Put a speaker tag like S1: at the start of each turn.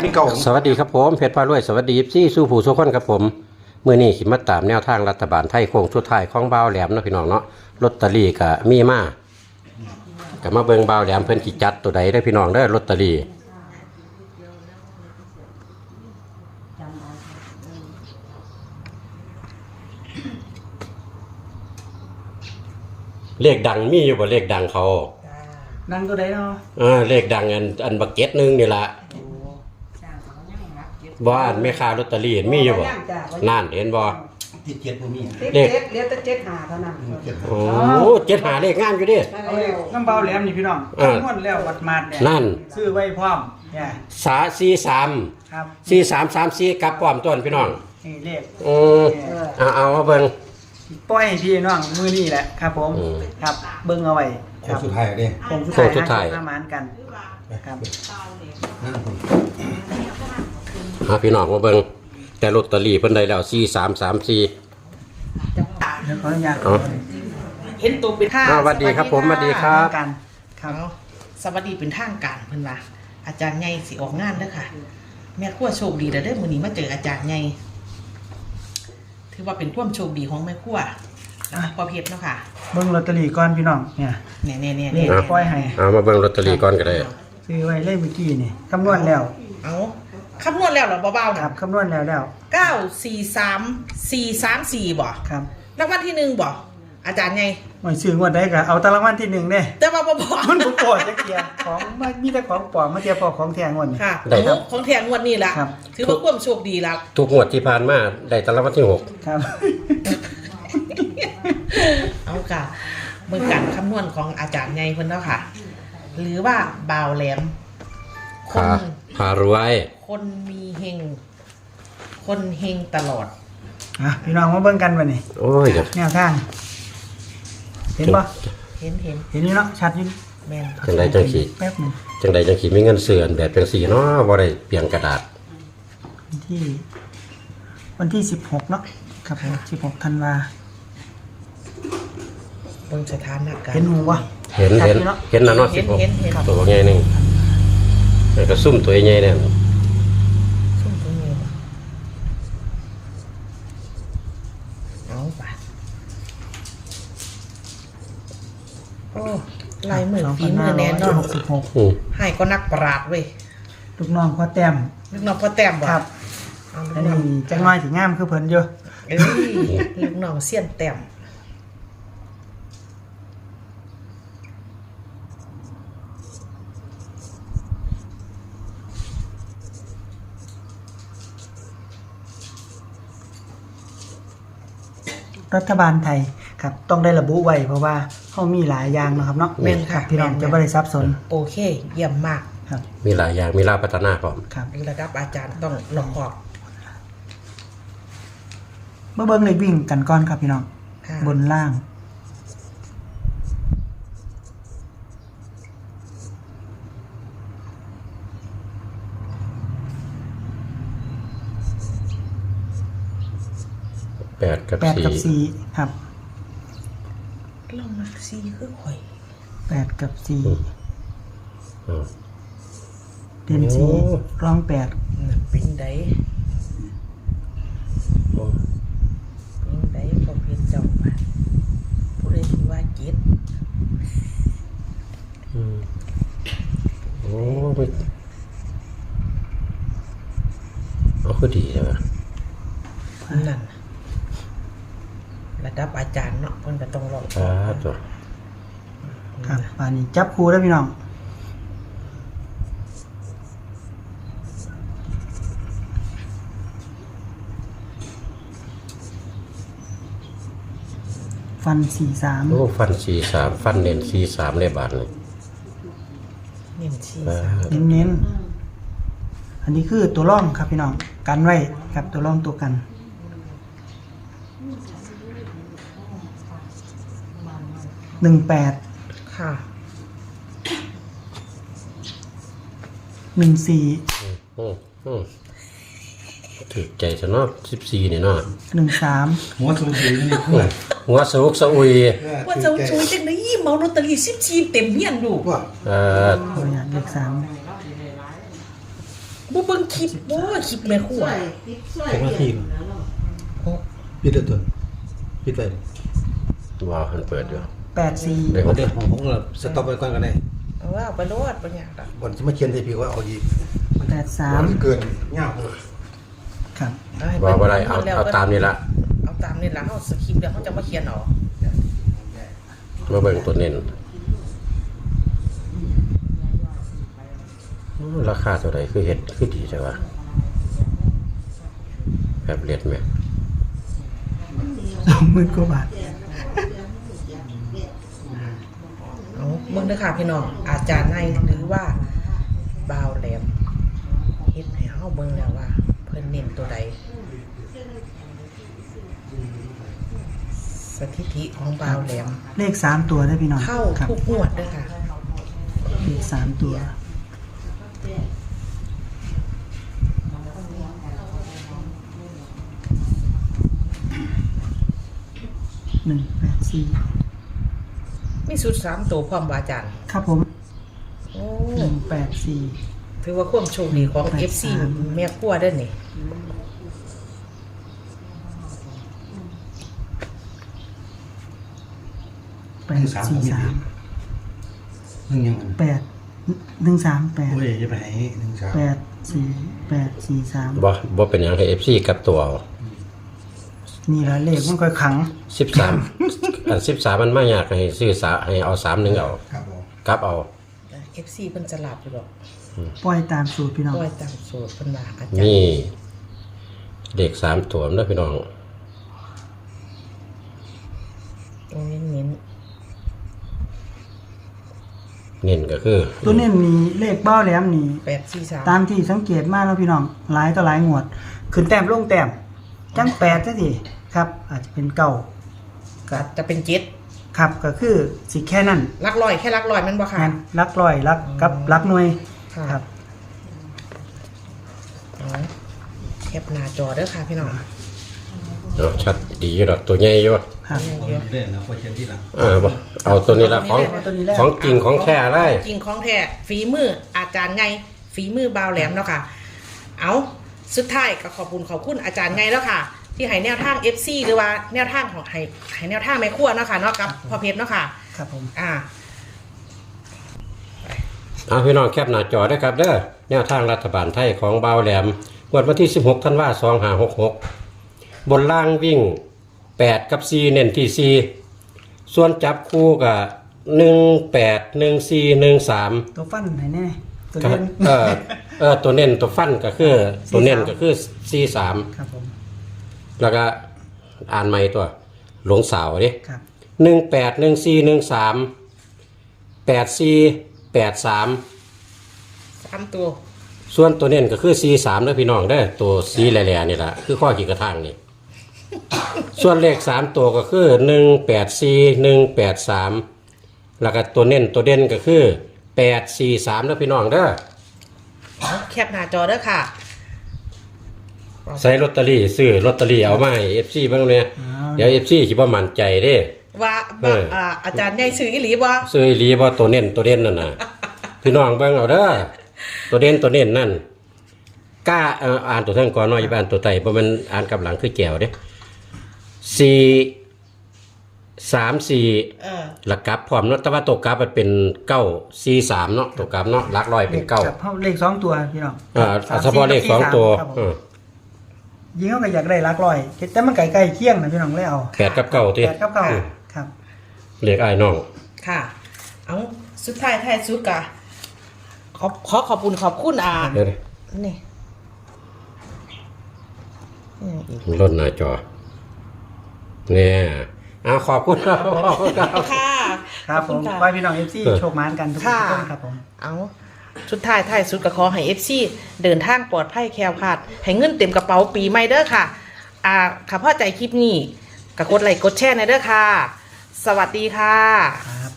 S1: เป็นเก่า
S2: สวัสดีครับผมเพชรพารวยสวัสดีซี่สู้ผู้สู้คนครับผมเมื่อนี้ขิมาตามแนวทางรัฐบาลไทยโค้งสุดท้ายของบ่าวแหลมเนาะพี่น้องเนาะลอตเตอรี่ก็มีมาก็มาเบิ่งบ่าวแหลมเพิ่นสิจัดตัวใดได้พี่น้องเด้อลอตเตอรี่เลขดังมีอยู่บ่เลขดังเขา
S1: ดังตัวใดเนาะ
S2: เลขดังอันบักเก็ตนึงนี่ล่ะบ่อันแม่ค้าลอตเตอรี่มีอยู่บ่นั่นเห็นบ่
S1: ติดเจ็ดบ่มี
S3: เลขเหลือแต่75เท่านั้น
S2: โอ้75เลขงามอยู่ดิ
S1: เอาเลขน้ำเบาแหลมนี่พี่น้องม้วนแล้ววัดมาดเนี่ย
S2: นั่น
S1: ซื้อไว้พร้อมเนี่ย
S2: 43
S1: ครับ
S2: 4334กลับพร้อมต้นพี่น้อง
S1: นี่เลข
S2: เอาเบิ่ง
S1: ปล่อยให้พี่น้องมื้อนี้แหละครับผมครับเบิ่งเอาไว้
S4: โค้งสุดท้ายเด้
S1: โค้งสุดท้ายประมาณกันครับ
S2: พี่น้องมาเบิ่งแต่ลอตเตอรี่เพิ่นได้แล้ว4334
S1: ขออนุญาต
S3: เห็นตัวเป็น
S2: สวัสดีครับผมสวัสดีครับ
S3: ครับสวัสดีเป็นทางการเพิ่นว่าอาจารย์ใหญ่สิออกงานเด้อค่ะแม่ครัวโชคดีเด้อมื้อนี้มาเจออาจารย์ใหญ่ถือว่าเป็นความโชคดีของแม่ครัวพ่อเพชรเนาะค่ะ
S1: เบิ่งลอตเตอรี่ก่อนพี่น้องเนี่ย
S3: นี่
S1: ปล่อยให้
S2: มาเบิ่งลอตเตอรี่ก่อนก็ได้
S1: ซื้อไว้เลขเมื่อกี้นี่คำนวณแล้ว
S3: เอาคำนวณแล้วเหรอเบาๆ
S1: ครับคำนวณแล้ว
S3: 943434บ่
S1: ครับ
S3: รางวัลที่1บ่อาจารย์ไง
S1: ไม่ซื้องวดได้ก็เอาแต่รางวัลที่1เด้
S3: แต่ว่าบ่
S1: มันบ่พอจักเที่ยของมีแต่ของปลอมมาเทียบพอของแท้งวดนี่
S3: ค่ะของแท้งวดนี่ล่ะถือว่าความโชคดีแล้ว
S2: ทุกงวดที่ผ่านมาได้แต่รางวัลที่6
S1: ครับ
S3: เอาค่ะเบิ่งการคำนวณของอาจารย์ไงเพิ่นเนาะค่ะหรือว่าบ่าวแหลม
S2: คนพารวย
S3: คนมีเฮงคนเฮงตลอด
S1: พี่น้องมาเบิ่งกันบัดนี้
S2: โอ้ย
S1: แนวทางเห็นบ่
S3: เห็น
S1: นี่เนาะชัดอยู่
S3: แม่น
S2: จังไดจังสิ
S1: แป๊บนึง
S2: จังไดจังสิมีเงินซื้ออันแบบจังซี่เนาะบ่ได้เปลี่ยนกระดาษ
S1: วันที่16เนาะครับ16ธันวา
S3: เบิ่งสถานการณ์
S1: เห็นหูบ่
S2: เห็นนะเนาะ16ตัวใหญ่นึงแล้วก็ซุ่มตัวใหญ่เนี่ย
S3: ซุ่มตัวใหญ่เอาไปโอ้ลายมือฝีมือแน่นอน
S1: 66
S3: ให้ก็นักปราดเว้ย
S1: ลูกน้องพ่อแต้ม
S3: บ่
S1: ครับอันนี้จังน้อยสิงามคือเพิ่นอยู่
S3: ลูกน้องเสี้ยนแต้ม
S1: รัฐบาลไทยครับต้องได้ระบุไว้เพราะว่าเขามีหลายอย่างนะครับเนาะ
S3: แม่นค่ะ
S1: พี่น้องจะไม่ได้ซับซ้อน
S3: โอเคเยี่ยมมาก
S1: ครับ
S2: มีหลายอย่างมีลาพัฒนาพร้อม
S1: ครับ
S3: ระดับอาจารย์ต้องรอบคอบ
S1: เบิ่งเลยวิ่งกันก่อนครับพี่น้องบนล่าง
S2: 8 กับ
S1: 4ครับ
S3: ลองมา4คือข่อย
S1: 8 กับ4เด่น4รอง8
S3: เป็นไดก็เพียงเจ้ามาผู้ใดที่ว่าเจ็ด
S2: โอ้ไปเอาคือดีใช่ไหม
S3: นั่นระดับอาจารย์เนาะเพิ่นก็ต้องรอ
S1: ครับป่านนี้จับคู่แล้วพี่น้องฟัน43
S2: โอ้ฟัน43ฟันเน้น43เลยบาทเลย
S3: เน้น43
S1: เน้นอันนี้คือตัวร่องครับพี่น้องกันไว้ครับตัวร่องตัวกัน18
S3: ค่ะ
S1: 14
S2: ถือใจซะเนาะ14นี่เนาะ
S1: 13
S4: หัวสูงนี่
S2: หัวสุกสะอุย
S3: ว่าจะช่วยจังได๋เมาลอตเตอรี่14เต็มเฮียนลูก
S1: เลข3
S3: บ่เบิ่งคลิปบ่คลิปแม่ครัว
S4: แข่งละทีมปิดเลยตัวปิดไป
S2: ว้าวมันเปิดอยู่
S1: 84
S2: เดี๋ยว
S4: เดี๋ยวผมก็สต็อปไปก่อนก็ได้
S3: เอาว่าไปโลดบ่ยากดอก
S4: บอลจะมาเขียนให้พี่ว่าเอาอีก
S1: 83
S4: เกินเงา
S1: ครับ
S3: เอาให้
S2: ว่าบ่ได้เอา
S3: แล้ว
S2: เอาตามนี้ละ
S3: เอาตามนี่ล่ะเฮาสคริปต์แล้วเฮาจะมาเขียนเอา
S2: มาเบิ่งตัวเน้นราคาเท่าไหร่คือเฮ็ดคือดีจังวะแบบเลียดไหม
S1: 20,000 กว่าบาท
S3: เอาเบิ่งเด้อค่ะพี่น้องอาจารย์ในหรือว่าบ่าวแหลมเฮ็ดให้เฮาเบิ่งแล้วว่าเพิ่นเน้นตัวใดสถิติของบ่าวแหลม
S1: เลข3ตัวได้พี่น้อง
S3: เข้า
S1: ครับ
S3: ทุกงวดเด้อค่ะ
S1: เลข3ตัว184
S3: มีสุด3ตัวพร้อมบ่อาจารย์
S1: ครับผม
S3: โอ้
S1: 184
S3: ถือว่าความโชคดีของ FC แม่ครัวเด้อนี่
S1: 843
S4: หนึ่งยัง
S1: 8 138
S4: โอ้ยจะไปไหน1 3
S2: บ่เป็นหยังให้ FC กลับตัวเอา
S1: นี่ละเลขมันค่อยขัง
S2: 13อัน13มันมายากให้ซื้อให้เอา31เอา
S4: ครับผม
S2: กลับเอา
S3: FC เพิ่นจะหลับอยู่ดอก
S1: ปล่อยตามสูตรพี่น้อง
S3: ปล่อยตามสูตรเพิ่นว่าอาจารย์
S2: นี่เด็ก3ตัวนะพี่น้อง
S3: ตรงนี้เน้น
S2: เน้นก็คือ
S1: ตัวนี้มีเลขเบ้าแหลมนี่
S3: 843
S1: ตามที่สังเกตมาแล้วพี่น้องหลายต่อหลายงวด ขึ้นแต้มลงแต้มจัง8ซะสิครับ อาจจะเป็นเก้า
S3: ก็จะเป็นเจ็ด
S1: ครับก็คือสิแค่นั้น
S3: หลักร้อยแค่หลักร้อยมันบ่ค่ะ
S1: แม่นหลักร้อยหลักกับหลักหน่วย
S3: ค่ะ
S1: ครับ
S3: เอาแคปหน้าจอเด้อค่ะพี่น้อง
S2: เนาะชัดดีอยู่ดอกตัวใหญ่อยู่
S1: ครับ
S4: เล่นนะพอเขียนที่หลัง
S2: บ่เอาตัวนี้ละของ
S1: เอาตัวนี้แหละ
S2: ของจริงของแท้เลย
S3: จริงของแท้ฝีมืออาจารย์ไงฝีมือบ่าวแหลมเนาะค่ะ เอาสุดท้ายก็ขอบคุณอาจารย์ไงแล้วค่ะ ที่ให้แนวทาง FC หรือว่าแนวทางของให้แนวทางแม่ครัวเนาะค่ะเนาะกับพ่อเพชรเนาะค่ะ
S1: ครับผม
S2: เอาพี่น้องแคปหน้าจอด้วยครับเด้อแนวทางรัฐบาลไทยของบ่าวแหลมงวดวันที่16ธันวาคม2566บนล่างวิ่ง8กับ4เน้นที่4ส่วนจับคู่กับ18 14 13
S1: ตัวฟันไหนแน่ตัว
S2: ก็
S1: เล่น
S2: ตัวเน้นตัวฟันก็คือตัวเน้นก็คือ43
S1: ครับผม
S2: แล้วก็อ่านใหม่ตัวหลวงสาวดิ
S1: ครับ
S2: 18 14 13 84 83
S3: 3ตัว
S2: ส่วนตัวเน้นก็คือ 43เด้อพี่น้องเด้อตัวสีแหล่ๆนี่ล่ะคือข้อขีดกระทางนี่ ส่วนเลข3ตัวก็คือ184 183แล้วก็ตัวเน้นตัวเด่นก็คือ843เด้อพี่น้องเด้อ
S3: เอาแคปหน้าจอเด้อค่ะ
S2: ใส่ลอตเตอรี่ซื้อลอตเตอรี่เอามาให้ FC เบิ่งเนี่ยเดี๋ยว FC สิบ่มั่นใจเด้
S3: ว่าอาจารย์ใหญ่ซื้ออีหลีบ่
S2: ซื้ออีหลีบ่ตัวเน้นตัวเด่นนั่นน่ะ พี่น้องเบิ่งเอาเด้อตัวเด่นตัวเน้นนั่นกล้าอ่านตัวเทิงก่อนเนาะอย่าไปอ่านตัวไตบ่แม่นอ่านกับหลังคือแก้วเด้4 3 4
S3: เออ
S2: หลักกลับพร้อมเนาะแต่ว่าตัวกลับมันเป็น943เนาะตัวกลับเนาะหลักร้อยเป็น
S1: ครับเพราะเลข2ตัวพี่น้อง
S2: เฉพาะเลข2ตัว
S1: ครับผมยิงเขาก็อยากได้หลักร้อยแต่มันใกล้ๆเคียงนะพี่น้องเลยเอา
S2: 8กับ9ติ
S1: 8กับ9ครับ
S2: เลขอ้ายน้อง
S3: ค่ะ เอาสุดท้ายท้ายสุดกะขอบคุณ
S2: เดี๋ยว
S3: นี่ยังอีก
S2: ลดหน้าจอเนี่ยขอบคุณครับ
S3: ค่ะ
S1: ครับผม
S3: ขอ
S1: ไว้
S3: ณ
S1: พี่น้อง FC โชคมานกันทุก
S3: ค่ะ
S1: คนครับผม
S3: เอาสุดท้ายท้ายสุดก็ขอให้ FC เดินทางปลอดภัยแคล้วคลาดให้เงินเต็มกระเป๋าปีใหม่เด้อค่ะค่ะพ่อใจคลิปนี้ก็กดไลค์กดแชร์ในเด้อค่ะ สวัสดีค่ะ
S1: ครับ